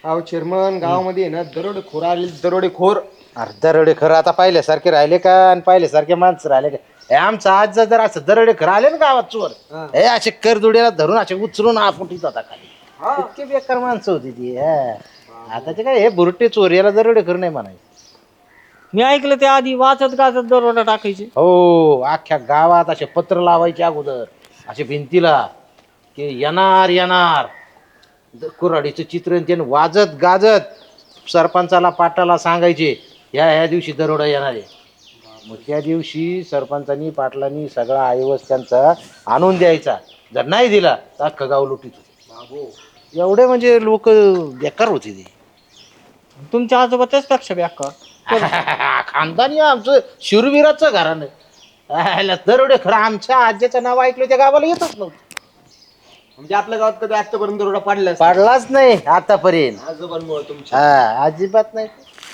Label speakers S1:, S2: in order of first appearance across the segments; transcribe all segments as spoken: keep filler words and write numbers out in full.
S1: अहो चेअरमन गावामध्ये ना दरोडेखोर आले दरोडेखोर.
S2: अरे दरोडे खरं आता पाहिल्यासारखे राहिले का आणि पाहिल्यासारखे माणसं राहिले का? हे आमचं आज जर असं दरोडे खरं आले ना गावात चोर, हे असे करदुड्याला धरून असे उचलून आपुटीत होता खाली. इतकी बेकार माणसं होती ती. हा. आता ते काय हे बुरटे चोर याला दरोडे खरं नाही म्हणायचं.
S3: मी ऐकलं ते आधी वाचत गाचत दरोडा टाकायचे.
S2: हो, अख्ख्या गावात असे पत्र लावायचे अगोदर असे भिंतीला की येणार येणार कुऱ्हाडीचं चित्र त्यानं वाजत गाजत सरपंचाला पाटाला सांगायचे ह्या ह्या दिवशी दरोडा येणार आहे. मग त्या दिवशी सरपंचानी पाटलांनी सगळा आयवस त्यांचा आणून द्यायचा. जर नाही दिला तर अख्खं गाव लुटीत होते. एवढे म्हणजे लोक बेकार होते ते.
S3: तुमच्या आजोबा त्याच पेक्षा बेकार.
S2: खानदानी आमचं शूरवीराचं घराणं. ह्याला दरोडे खरं आमच्या आज्याचं नाव ऐकलं त्या गावाला येतच नव्हतं.
S1: म्हणजे आपल्या गावात कधी आतापर्यंत दरोडा पाडला
S2: पाडलाच नाही आतापर्यंत.
S1: आजोबांमुळे तुमच्या.
S2: हा अजिबात नाही.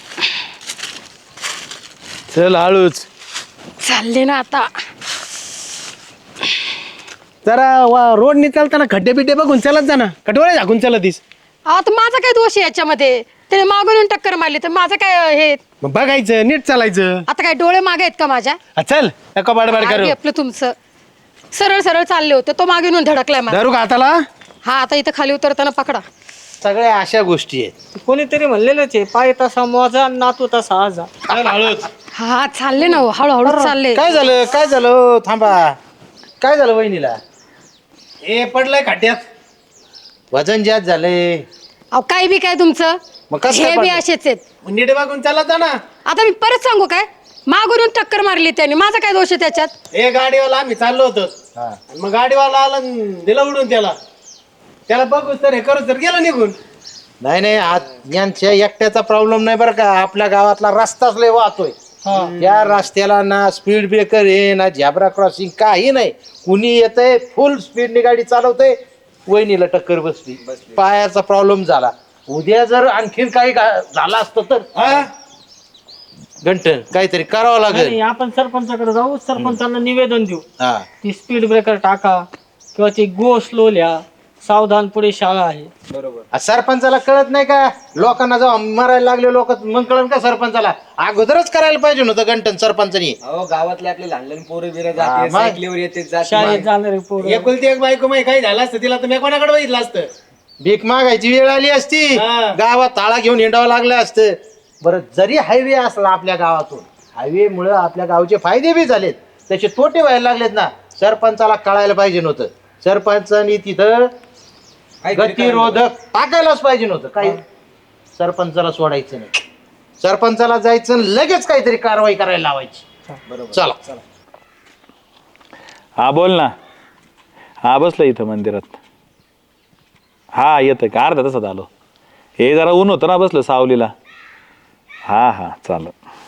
S4: चल हळूच
S5: चालले ना आता.
S4: जरा रोडनी चालताना खड्डे बिड्डे बघून चालत जा ना. कटोरे झाकून चालतीस.
S5: आता माझा काय दोष आहे याच्यामध्ये? त्याने मागून येऊन टक्कर मारली तर माझं काय हे?
S4: मग बघायचं नीट चालायचं.
S5: आता काय डोळे मागे आहेत का माझ्या?
S4: हा, चल नको बाडबाड करू.
S5: आगी आपलं तुमचं सरळ सरळ चालले होते, तो मागे येऊन धडकलाय मला.
S4: धरू का हाताला?
S5: हा आता इथं खाली उतरताना पकडा.
S2: सगळ्या अशा गोष्टी आहेत.
S3: कोणीतरी म्हणलेलंच आहे, पाय तसा मोजा नातू तसा आजा.
S4: चल हळूच.
S5: हा चालले ना हो, हळूहळू चालले.
S2: काय झालं काय झालं थांबा. काय झालं वहिनीला?
S4: ए पडलाय खड्ड्यात.
S2: वजन जास्त झालंय.
S5: अहो काय बी काय तुमचं?
S2: मग कसं काय
S5: हे बी
S2: पडलं?
S5: असेच आहेत.
S4: मग नीट बघून चालत जा ना.
S5: आता मी परत सांगू काय? मागून येऊन टक्कर मारली त्याने, माझा काय दोष आहे त्याच्यात?
S4: ए गाडीवाला आम्ही चाललो होतो
S2: हा.
S4: आणि मग गाडीवाला आला आणि दिला उडून त्याला. त्याला बघू तर हे करू तर गेला निघून.
S2: नाही नाही आज यांच्या एकट्याचा प्रॉब्लेम नाही बरं का. आपल्या गावातला रस्ताच लय वाहतोय. त्या रस्त्याला ना स्पीड ब्रेकर आहे ना झेब्रा क्रॉसिंग काही नाही. कुणी येतंय फुल स्पीडने गाडी चालवतंय. वहिनीला टक्कर बसली. पायाचा प्रॉब्लेम झाला. उद्या जर आणखीन काही गा- झालं असतं तर
S4: हा?
S2: घंटन काहीतरी करावं लागेल.
S3: नाही, आपण सरपंचाकडे जाऊ, सरपंचांना निवेदन देऊ.
S2: हा
S3: ती स्पीड ब्रेकर टाका किंवा ती गो स्लो लिहा, सावधान पुढे शाळा आहे.
S2: आ, सरपंचाला कळत नाही का? लोकांना जाऊन मारायला लागले लोक मग कळण का सरपंचाला? अगोदरच करायला पाहिजे नव्हतं घंटन सरपंचानी.
S1: अहो गावातले आपले लहान लहान पोरं बिरं
S2: हा,
S1: जाते
S2: मग?
S1: सायकलीवर येते जाते.
S3: शाळेत जाणारे पोरं.
S4: एकुलती एक बायको माही काही झालं असतं तिला तर मी कोणाकडे बघितलं असतं.
S2: भीक मागायची वेळ आली असती.
S4: हा.
S2: गावात ताळा घेऊन हिंडावं लागलं असतं. बरं जरी हायवे असला आपल्या गावातून, हायवे मुळे आपल्या गावचे फायदे बी झालेत, त्याचे तोटे व्हायला लागलेत ना. सरपंचाला कळायला पाहिजे नव्हतं. सरपंचानी तिथं गतिरोधक टाकायलाच पाहिजे नव्हतं. काही सरपंचाला सोडायचं नाही. सरपंचाला जायचं आणि लगेच काहीतरी कारवाई करायला लावायची. चला
S6: हा बोल ना. हा बसलं इथं मंदिरात. हा येतं का अर्धा तासात आलो. हे जरा ऊन होतं ना बसलं सावलीला. हा हा चाल.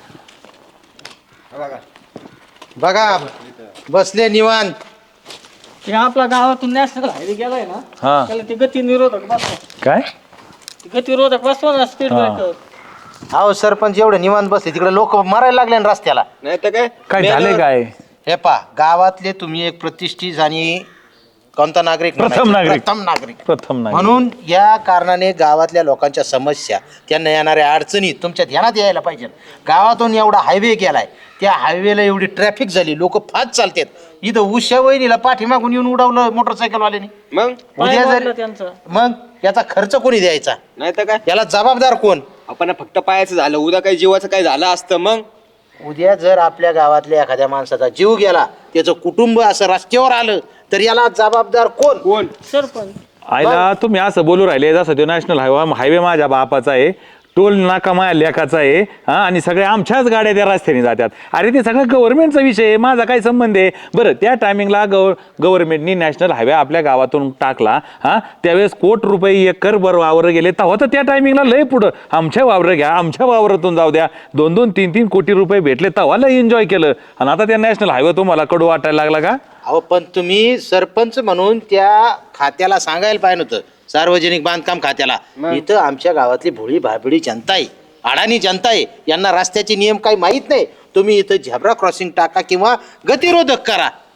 S2: बघा बसले निवांत.
S3: ते आपल्या गावातून नॅशनल हायवे गेलाय ना,
S6: हा
S3: त्याला ते गती निरोधक बसवा.
S6: काय
S3: गती रोधक बसवा ना स्पीड
S6: हा.
S3: ब्रेकर.
S2: अहो सरपंच एवढे निवांत बसले तिकडे लोक मारायला लागले ना रस्त्याला.
S1: नाही तर काय
S6: काय झाले काय?
S2: हे पा गावातले तुम्ही एक प्रतिष्ठित आणि कोणता नागरिक
S6: प्रथम
S2: म्हणायचे?
S6: नागरिक.
S2: प्रथम नागरिक
S6: प्रथम नाही
S2: म्हणून या कारणाने गावातल्या लोकांच्या समस्या, त्यांना येणाऱ्या अडचणी तुमच्या ध्यानात यायला पाहिजे. गावातून एवढा हायवे केलाय, त्या हायवेला एवढी ट्रॅफिक झाली, लोक फास्ट चालतात. इथं उशा वहिनीला पाठीमागून येऊन उडवलं मोटरसायकलवाल्याने.
S1: मग
S3: पाय
S2: उद्या
S3: मोडला
S2: जर
S3: त्यांचा.
S2: मग याचा खर्च कोणी द्यायचा?
S1: नाही तर काय
S2: याला जबाबदार कोण?
S1: आपण फक्त पायाचं झालं, उद्या काही जीवाचं काही झालं असतं मग.
S2: उद्या जर आपल्या गावातल्या एखाद्या माणसाचा जीव गेला, त्याचं कुटुंब असं रस्त्यावर आलं, तर याला जबाबदार कोण?
S1: कोण?
S3: सरपंच.
S6: आयला तुम्ही असं बोलू राहिले जसं तो नॅशनल हायवे हायवे माझ्या बापाचा आहे, टोल नाका माझ्या लेखाचा आहे. हा आणि सगळ्या आमच्याच गाड्या त्या रस्त्याने जातात. अरे ते सगळं गव्हर्नमेंटचा विषय आहे, माझा काय संबंध आहे? बरं त्या टायमिंगला गव्ह गव्हर्नमेंटनी नॅशनल हायवे आपल्या गावातून टाकला. हा त्यावेळेस कोट रुपये एकर बर वावर गेले, तेव्हा तर त्या टायमिंगला लय पुढं आमच्या वावर घ्या, आमच्या वावरातून जाऊ द्या, दोन दोन तीन तीन कोटी रुपये भेटले, तेव्हा लय एन्जॉय केलं. आणि आता त्या नॅशनल हायवे तुम्हाला कडू वाटायला लागला का?
S2: अहो पण तुम्ही सरपंच म्हणून त्या खात्याला सांगायला पाहिजे होतं, सार्वजनिक बांधकाम खात्याला. इथं आमच्या गावातली भोळी भाबडी जनता आहे, अडाणी जनता आहे, यांना रस्त्याचे नियम काही माहीत नाही. तुम्ही इथं झेब्रा क्रॉसिंग टाका किंवा गतिरोधक करा.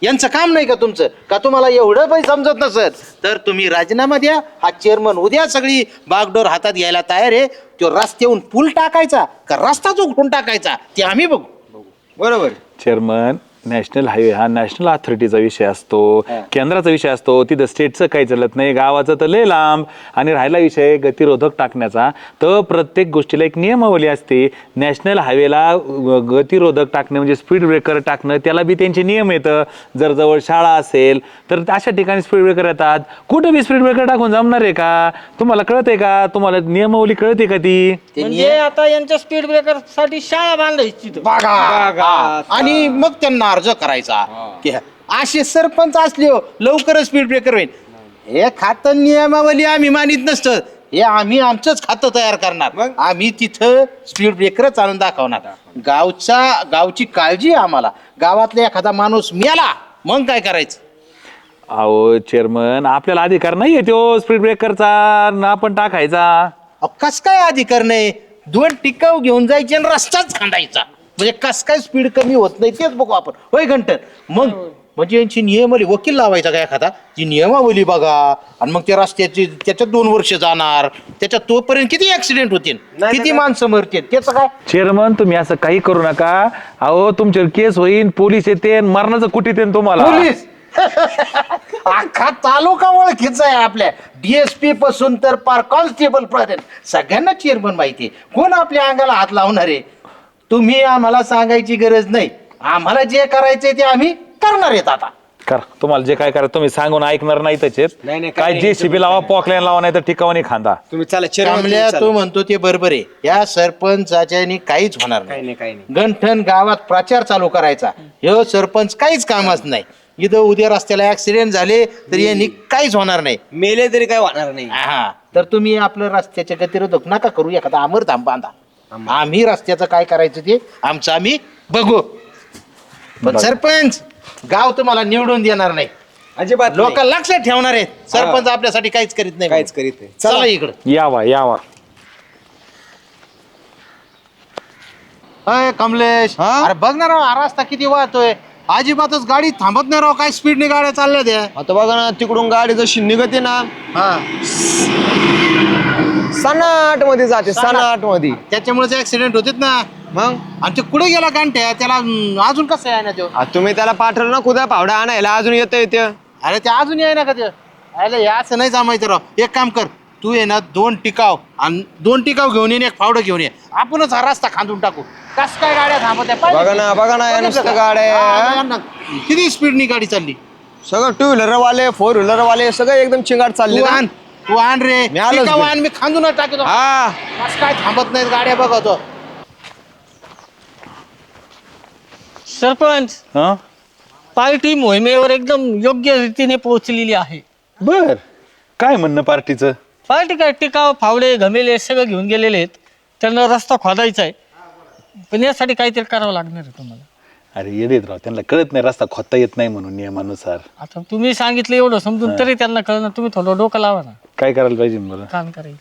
S2: यांचं काम नाही का तुमचं का तुम्हाला एवढं पण समजत नसत तर तुम्ही राजीनामा द्या. हा चेअरमन उद्या सगळी बागडोर हातात घ्यायला तयार आहे. तो रस्त्याहून पूल टाकायचा का रस्ताच उघडून टाकायचा ते आम्ही बघू.
S1: बरोबर.
S6: चेअरमन नॅशनल हायवे हा नॅशनल अथॉरिटीचा विषय असतो, केंद्राचा विषय असतो. तिथं स्टेटचं काही चालत नाही, गावाचं तर लय लांब. आणि राहिला विषय गतिरोधक टाकण्याचा, तर प्रत्येक गोष्टीला एक नियमावली असते. नॅशनल हायवेला गतिरोधक टाकणं म्हणजे स्पीड ब्रेकर टाकणं, त्याला बी त्यांचे नियम येतं. जर जवळ शाळा असेल तर अशा ठिकाणी स्पीड ब्रेकर येतात. कुठं बी स्पीड ब्रेकर टाकून जमणार आहे का? तुम्हाला कळतंय का? तुम्हाला नियमावली कळते का ती?
S3: म्हणजे आता यांच्या स्पीड ब्रेकर साठी शाळा बांधायची तिथं.
S2: बघा आणि मग त्यांना अर्ज करायचा की असे सरपंच असले हो, लवकरच स्पीड ब्रेकर होईल. हे खातं नियमावली आम्ही मानित नसतं. हे आम्ही आमचंच खातं तयार करणार. आम्ही तिथं स्पीड ब्रेकर चालून दाखवणार. गावचा गावची काळजी आहे आम्हाला. गावातला एखादा माणूस मेला मग काय करायचं?
S6: अहो चेअरमन, आपल्याला अधिकार नाही आहे तो स्पीड ब्रेकरचा ना आपण टाकायचा.
S2: अहो, कस काय अधिकार नाही? दोन टिकाव घेऊन जायचे आणि रस्ताच खांदायचा. म्हणजे कस काय स्पीड कमी होत नाही तेच बघू आपण. होय घंटन मग म्हणजे यांची नियमावली वकील लावायचा का एखादा ती नियमावली बघा. आणि मग त्या रस्त्याची त्याच्यात दोन वर्ष जाणार, त्याच्यात तोपर्यंत किती ऍक्सिडेंट होतील, किती माणसं मरतील, त्याचं काय?
S6: चेअरमन तुम्ही असं काही करू नका. अहो तुमच्यावर केस होईल, पोलीस येते, मरणाचं कुठे येते तुम्हाला.
S2: पोलीस अख्खा तालुका ओळखीचा आहे आपल्या. डीएसपी पासून तर पार कॉन्स्टेबल पर्यंत सगळ्यांना चेअरमन माहिती आहे. कोण आपल्या अंगाला हात लावणार आहे? तुम्ही आम्हाला सांगायची गरज नाही. आम्हाला जे करायचंय ते आम्ही करणार आहेत. आता
S6: कर, तुम्हाला जे काय करायचं तुम्ही सांगून ऐकणार नाही त्याचे.
S1: नाही, नाही,
S6: काय
S1: काही
S6: जे
S1: नाही,
S6: शिबी लावा, पॉकलाईन लावा, नाही तर ठिकाणी खांदा.
S1: तुम्ही चला चेअरमन, तुम्ही
S2: कमल्या
S1: चला.
S2: तो म्हणतो ते बरोबर आहे. या सरपंचाच्यानी काहीच होणार
S1: काही
S2: नाही.
S1: नाही काही नाही.
S2: गंठन गावात प्रचार चालू करायचा. हे सरपंच काहीच कामच नाही. इथं उद्या रस्त्याला ऍक्सिडेंट झाले तर यांनी काहीच होणार नाही.
S1: मेले तरी काय होणार नाही.
S2: हा तर तुम्ही आपलं रस्त्याच्या गतिरोधक नका करू. एखादा अमरधाम बांधा. आम्ही रस्त्याचं काय करायचं ते आमचं आम्ही बघू. पण सरपंच गाव तुम्हाला निवडून देणार नाही.
S1: अजिबात
S2: लोक
S1: नाही.
S2: लक्षात ठेवणार आहेत. सरपंच आपल्यासाठी काहीच करीत नाही.
S1: काहीच करीत नाही.
S2: चला इकडं.
S6: यावा यावा.
S2: अय कमलेश, अरे बघ ना राव, हा रस्ता किती वाहतोय. अजिबातच गाडी थांबत नाही राव. काय स्पीडने गाड्या चालल्या त्या.
S1: आता बघा ना, तिकडून गाडी जशी निघते ना
S2: हा
S1: सनाट मध्ये जाते, सनाट मध्ये.
S2: त्याच्यामुळे ऍक्सिडेंट होतेत ना.
S1: मग
S2: आणि ते कुठे गेला गांठ्या त्याला अं, अजून कसं आहे ना तो.
S1: आता तुम्ही त्याला पाठवलं ना कुदा पावडा आणायला, अजून येतं येते.
S2: अरे ते अजून आहे ना का ते. अरे हे असं नाही जमायचं राव. एक काम कर, तू ये ना दोन टिकाव आणि दोन टिकाव घेऊन ये, एक फावडं घेऊन ये. आपणच हा रस्ता खांदून टाकू. कस काय गाड्या थांबत आहे पाहिलं
S1: बघा
S2: का?
S1: ना बघा ना या
S2: बघितलं
S1: नुसतं
S2: का?
S1: गाड्या.
S2: हा, यांना किती स्पीडनी गाडी चालली.
S1: सगळं टू व्हीलर वाले, फोर व्हीलर वाले सगळं एकदम चिंगाट चालले
S2: तू
S1: ना.
S2: आण तू आण रे.
S1: मी आलोच
S2: टिकाव
S1: घरी.
S2: आण, मी खांदूनच टाकतो.
S1: हा
S2: कस काय थांबत नाहीत गाड्या बघतो.
S3: सरपंच,
S6: हं?
S3: पार्टी मोहिमेवर एकदम योग्य रीतीने पोहोचलेली आहे.
S6: बर, काय म्हणणं पार्टीचं?
S3: पार्टी काय टिकाव, फावडे, घमेले सगळं घेऊन गेलेले आहेत. त्यांना रस्ता खोदायचा आहे. पण यासाठी काहीतरी करावं लागणार आहे तुम्हाला.
S6: अरे येडेत राव, त्यांना कळत नाही रस्ता खोदता येत नाही म्हणून नियमानुसार.
S3: आता तुम्ही सांगितलं एवढं समजून तरी त्यांना कळणार. तुम्ही थोडं डोकं लावा ना.
S6: काय करायला पाहिजे बरं?
S3: काम करायचं.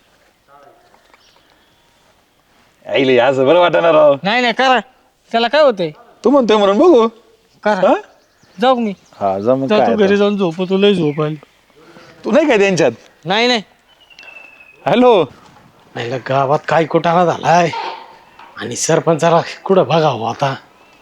S6: आईले असं बरं वाटणार राव.
S3: नाही नाही करा. त्याला काय होतंय?
S6: तू म्हणतोय म्हणून बघू.
S3: करा.
S6: हा?
S3: जाऊ मी.
S6: हा जा मग
S3: जा
S6: काय
S3: तू
S6: आता.
S3: घरी जाऊन झोप. तुला झोप आली.
S6: तू नाही काय त्यांच्यात?
S3: नाही नाही.
S6: हॅलो,
S4: नाही गावात काय कुटाणा झालाय आणि सरपंचाला कुठं बघावं आता.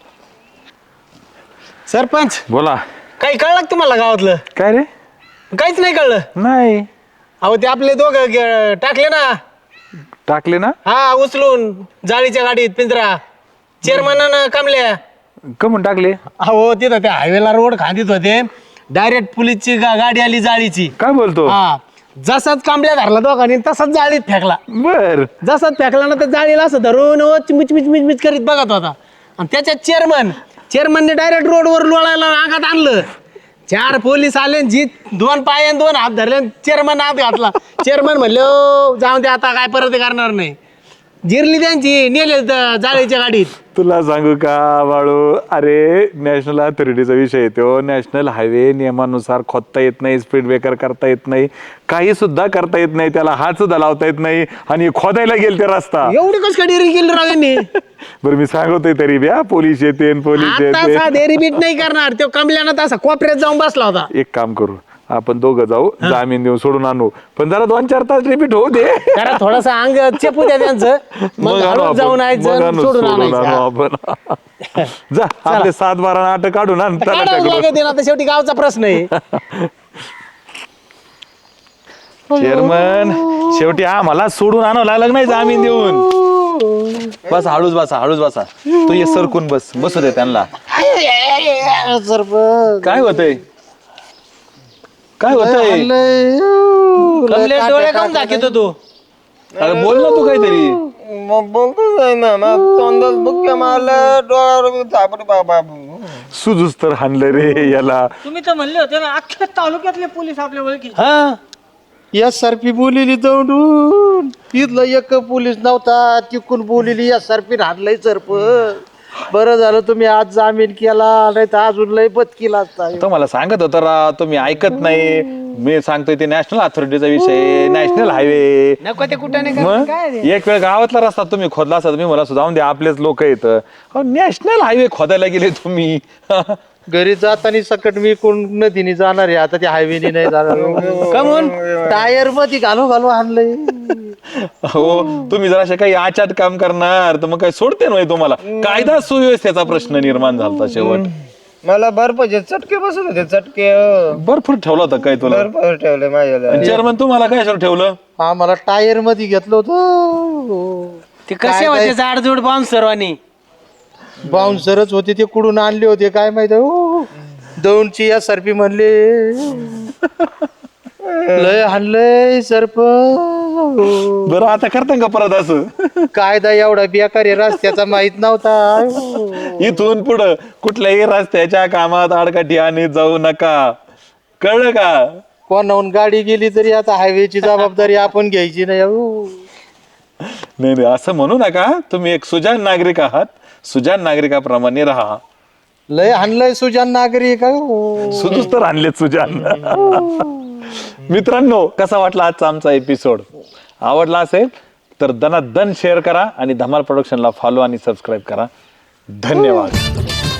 S4: सरपंच,
S6: बोला.
S4: काही कळलं का तुम्हाला गावातलं?
S6: काय रे?
S4: काहीच नाही कळलं.
S6: नाही
S4: अहो ते आपले दोघं गे- टाकले ना.
S6: टाकले ना?
S4: हा उचलून जाळीच्या गाडीत पिंजरा. चेअरमॅनानं कामल्या.
S6: कमून टाकले?
S4: अहो तिथं त्या हायवेला रोड खांदीत होते. डायरेक्ट पोलीसची गा- गाडी आली जाळीची.
S6: काय बोलतो?
S4: हा जसाच कांबल्या धरला दोघांनी तसाच जाळीत फेकला.
S6: बर.
S4: जसाच फेकला ना तर जाळीला असं धरून ओ चिमिच मिच मिच मिच करीत बघत होता. आणि त्याच्यात चेअरमन चेअरमनने डायरेक्ट रोडवर लोळायला अंगात आणलं. चार पोलीस आले, जी दोन पाय आणि दोन हात धरले. चेअरमन हात घातला. चेअरमन म्हणले "ओ, जाऊन दे आता, काय परत करणार नाही." जिरली त्यांची, नेले ज- जाळीच्या गाडीत.
S6: तुला सांगू का बाळू, अरे नॅशनल अथॉरिटीचा विषय येतो. नॅशनल हायवे नियमानुसार खोदता येत नाही, स्पीड ब्रेकर करता येत नाही, काही सुद्धा करता येत नाही, त्याला हात सुद्धा लावता येत नाही आणि खोदायला गेल ते रस्ता.
S4: एवढी कस काय डेअरिंग केली राव यांनी?
S6: बरं मी सांगतोय तरी ब्या पोलीस येते पोलीस
S4: आता
S6: येते
S4: साधे रिपीट नाही करणार तो कमल्यानं तसा कोपऱ्यात जाऊन बसला होता.
S6: एक काम करू आपण दोघं जाऊ जामीन देऊन सोडून आणू पण जरा दोन चार तास रिपीट होऊ दे
S4: जरा थोडासा अंग चेपू द्या त्यांचं मग
S6: आणू
S4: हळूच
S6: आपण.
S4: जाऊन
S6: मग
S4: यायचं
S6: आणू,
S4: सोडून
S6: सोडून आणू
S4: आणायचं.
S6: आपण जा आपले सात बारा नाटक काढून आण
S4: काढावंच
S6: तलाट्याकडून.
S4: लागत आहे ना, तर शेवटी गावचा प्रश्न आहे.
S6: चेअरमन शेवटी आम्हाला सोडून आणावं लागलं नाही जामीन देऊन बस हळूच बसा हळूच बसा तू ये सरकून बस बसू दे त्यांना काय होतंय काय होतंय
S4: कमलेश डोळे काऊन दाखवतो तू?
S6: अरे बोल ना तू काहीतरी
S1: मग बोलतोच नाही ना मग तोंडात बुक्या मारलं डोळ्यावर झापड बाबा.
S6: सुजूस तर हाणलं रे याला
S3: तुम्ही तर म्हणले होते ना अख्ख्या तालुक्यातले पोलीस आपल्या ओळखी.
S2: हा या सरपी बोलिली दौडून तिथलं एक पोलीस नव्हता तिकून बोलिली या सरपीन हाणलंय सरप. बरं झालं तुम्ही आज जामीन केला नाही तर अजून लय बदकीला असता.
S6: तो मला सांगत होता राव तुम्ही ऐकत नाही मी सांगतोय ते नॅशनल अथॉरिटीचा विषय नॅशनल हायवे
S4: नको ते कुठं नाही
S6: मग
S4: काय रे?
S6: एक वेळ गावातला रस्ता तुम्ही खोदला असता तुम्ही मला जाऊन द्या आपलेच लोक येत नॅशनल हायवे खोदायला गेले तुम्ही
S2: घरी जाताना सकट मी कोण नदीने जाणार आहे आता त्या हायवेने नाही जाणार.
S4: कमून
S2: टायर मध्ये घालू घालू आणलंय.
S6: हो तुम्ही जर असे काही आचाट काम करणार तर मग काही सोडते नाही तुम्हाला कायदा सुव्यवस्थेचा प्रश्न निर्माण झाला शेवट
S1: मला बर्फाचे चटके बसत होते चटके
S6: भरपूर ठेवला होता काय तुला
S1: बर्फ ठेवले माझ्याला.
S6: चेअरमन तुम्हाला काय सर ठेवलं
S2: आम्हाला टायर मध्ये घेतलं होतं.
S4: ते कसे होते जाडजूड बांध सर्वांनी
S2: बाउन्सरच होते ते कुठून आणले होते काय माहित हो. दौंडची या सरपी म्हणले लय हाणलंय सरप.
S6: बरं आता करता का परत असं
S2: कायदा एवढा बेकार आहे रस्त्याचा माहित नव्हता.
S6: इथून पुढं कुठल्याही रस्त्याच्या कामात आडकाठी आणि जाऊ नका कळलं का
S2: कोणाहून गाडी गेली तरी आता हायवेची जबाबदारी आपण घ्यायची नाही हो.
S6: नाही नाही असं म्हणू नका तुम्ही एक सुजाण नागरिक आहात सुजाण नागरिकाप्रमाणे राहा
S2: लय हाणलंय सुजान नागरिक हो.
S6: सुदूच तर आणलेत सुजान मित्रांनो कसा वाटला आजचा आमचा एपिसोड आवडला असेल तर दनादन शेअर करा आणि धमाल प्रोडक्शनला फॉलो आणि सबस्क्राईब करा धन्यवाद.